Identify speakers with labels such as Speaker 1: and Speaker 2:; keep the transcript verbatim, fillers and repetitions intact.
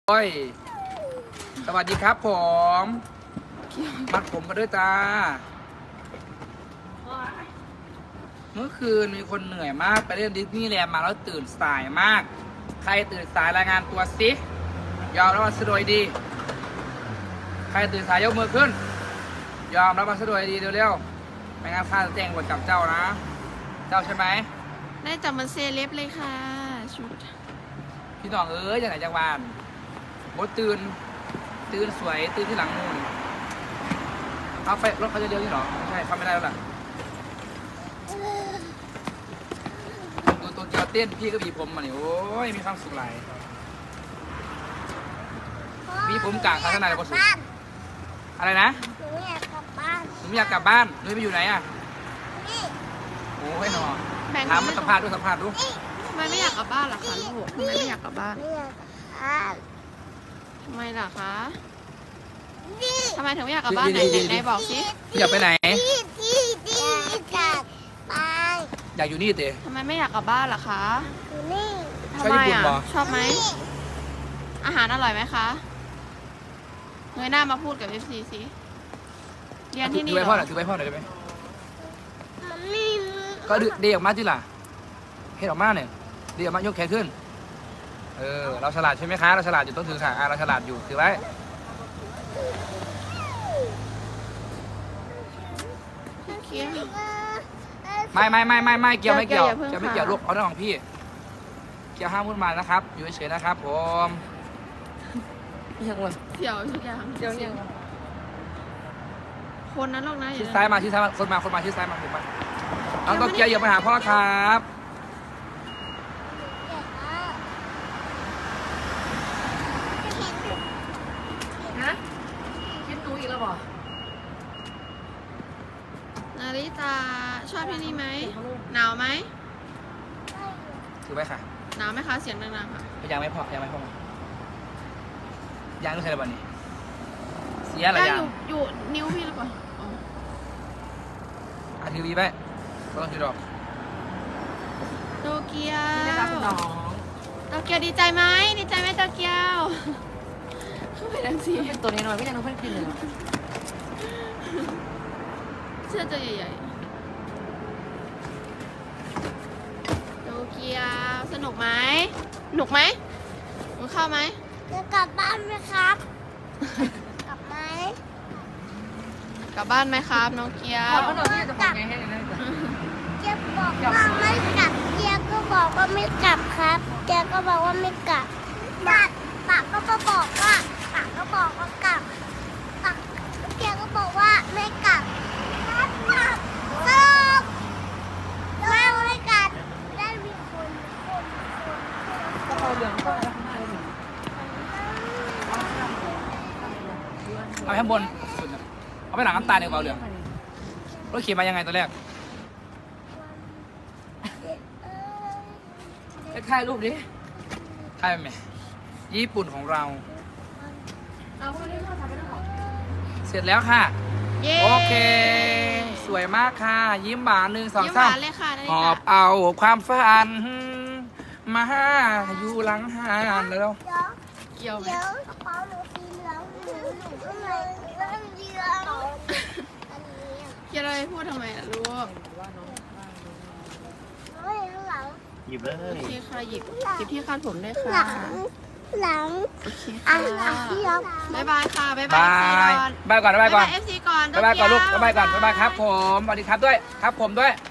Speaker 1: โอ้ยสวัสดีครับผมมัดผมมาด้วยจ้าเมื่อคืนมีคนเหนื่อยมากไปเล่นดิสนีย์แลนด์มาแล้วตื่นสายมากใครตื่นสายรายงานตัวสิยอมรับมาสะดวยดีใครตื่นสายยกมือขึ้นยอมรับมาสะดวยดีเร็วๆไม่งั้นข้าจะแจ้งบทจับเจ้านะเจ้าใช่ไหม
Speaker 2: ได้จับมันเซเลบเลยค่ะชุด
Speaker 1: พี่น้องเอ้ยจากไหนจากบ้านบดตื่นตื่นสวยตื่นที่หลังมูนเอาไปรถเขาจะเลี้ยวที่หรอไม่ใช่เขาไม่ได้แล้วล่ะดูตัวเกียวเต้นพี่ก็บีผมมาเนี่ยโอ้ยมีความสุขหลายบีผมกลางข้างในเลยพอสุดอะไรนะ
Speaker 3: หนูอยากกลับบ้าน
Speaker 1: หนูอยากกลับบ้านหนูไปอยู่ไหนอ่ะ
Speaker 3: นี่
Speaker 1: โอ้ยหนอถามมาสัมภาษณ์ด้วยสัมภาษณ์ดู
Speaker 2: ทำไมไม่อยากกลับบ้านล่ะคะลูกทำไมไม่อยากกลับบ้าน
Speaker 3: ไม่อยากกลับบ้าน
Speaker 2: ทำไมล่ะคะ
Speaker 3: นี่
Speaker 2: ทำไมถึงไม่อยากกลับบ้านไหนไหนบอกสิ
Speaker 1: อยากไปไหน
Speaker 3: ที่ที่ที่อยากไป
Speaker 1: อยากอยู่นี่เต๋
Speaker 2: ทำไมไม่อยากกลับบ้านล่ะคะ
Speaker 3: อยู่นี่
Speaker 2: ทำไมอ่ะชอบไหมอาหารอร่อยไหมคะเงยหน้ามาพูดกับเอฟซีสิเรียนที่นี่
Speaker 1: ถือใบพ่อหน่อยถือใบพ่อหน่อยได้ไหม
Speaker 3: มันไม่
Speaker 1: ก็เดียออกมาที่ล่ะเฮ็ดออกมาเนี่ยเดียออกมายกแขนขึ้นเออเราฉลาดใช่ไหมคะเราฉลาดอยู่ต้องถือค่ะเราฉลาดอยู่ถือไว้ไม่ไม่ไม่ไม่ไม่เกี่ยวไม่เกี่ยวจะไม่เกี่ยวลูกเอาเรื่องของพี่เกี่ยวห้ามพูดมานะครับอยู่เฉยๆนะครับผม
Speaker 2: ยังวะเดี๋ยวยังเดี๋ยวยังคนนั้นหรอกนะ
Speaker 1: ชี้ซ้ายมาชี้ซ้ายมาคนมาคนมาชี้ซ้ายมาผมมาน้องโตเกียวอย่าไปหาพ่อครับ
Speaker 2: นะคิดดูอีกแล้วบ่นาริตาชอบที่นี่ไหมหนาวไหม
Speaker 1: ถือไว้ค่ะ
Speaker 2: หนาวไหมคะเสียงดังๆค่ะ
Speaker 1: ยังไม่พอยังไม่พอยังต้องใช้อะไรบ้างนี่เสียอะไรยัง
Speaker 2: อยู่นิ้วพี่หรือเปล่า
Speaker 1: อ่ะทีวีไปก็ต้องถือดอก
Speaker 2: โตเกียวโตเกียวดีใจไหมดีใจไหมโตเกียวเข้าไปดังสิ
Speaker 4: ตัวนี้หน่อยไม่ยังน้องเพิ่งกินเลย
Speaker 2: เสื้อตัวใหญ่ๆโตเกียวสนุกไหมสนุกไหมมึงเข้าไหม
Speaker 3: จะกลับบ้านไหมครับกลับไหม
Speaker 2: กลับบ้านไหมครับน้องเกียว
Speaker 4: เขาหน่อยที่จะทำไงให้ได้
Speaker 3: เกียวบอกว่าไม่กลับเกียวก็บอกว่าไม่กลับครับเกียวก็บอกว่าไม่กลับปากปากก็บอกว่าปากก็บอกว่ากลับปากเกียวก็บอกว่าไม่กลับครับกลับสรุปไม่ไม่กลับได้มีคนคนคน
Speaker 4: ก็เอาเหลืองก็ได้
Speaker 1: เอาข้างบนสุดเอาไปหลังน้ำตาลเดี๋ยวเอาเหลืองรถขี่มายังไงตัวแรกถ่ายรูปดิถ่ายไหมญี่ปุ่นของเราเสร็จแล้วค่ะโอเคสวยมากค่ะยิ้มหวานหนึ่งสองสามหอบเอาความฝันมาอยู่หลังหานแล้ว
Speaker 2: เกี่ยวไหม
Speaker 3: เดี๋ยวกระเป๋าหนูสีเหลืองหนูหนูก็เลยเรื่องเดียวอันนี้
Speaker 2: เกี่ยวอะไรพูดทำไมล่ะลูก
Speaker 3: ไม่หลัง
Speaker 4: หยิบเลย
Speaker 2: โอเคค่ะหยิบหยิบที่คาดผมได้ค่ะ
Speaker 3: หลังหลัง
Speaker 2: โอเคค่ะบ๊ายบายค่ะบ๊ายบาย
Speaker 1: บายก่อนบ๊ายบายก่อน
Speaker 2: เอฟซีก่อน
Speaker 1: บ๊ายบายก่อนลูกบ๊ายบายก่อนบ๊ายบายครับผมสวัสดีครับด้วยครับผมด้วย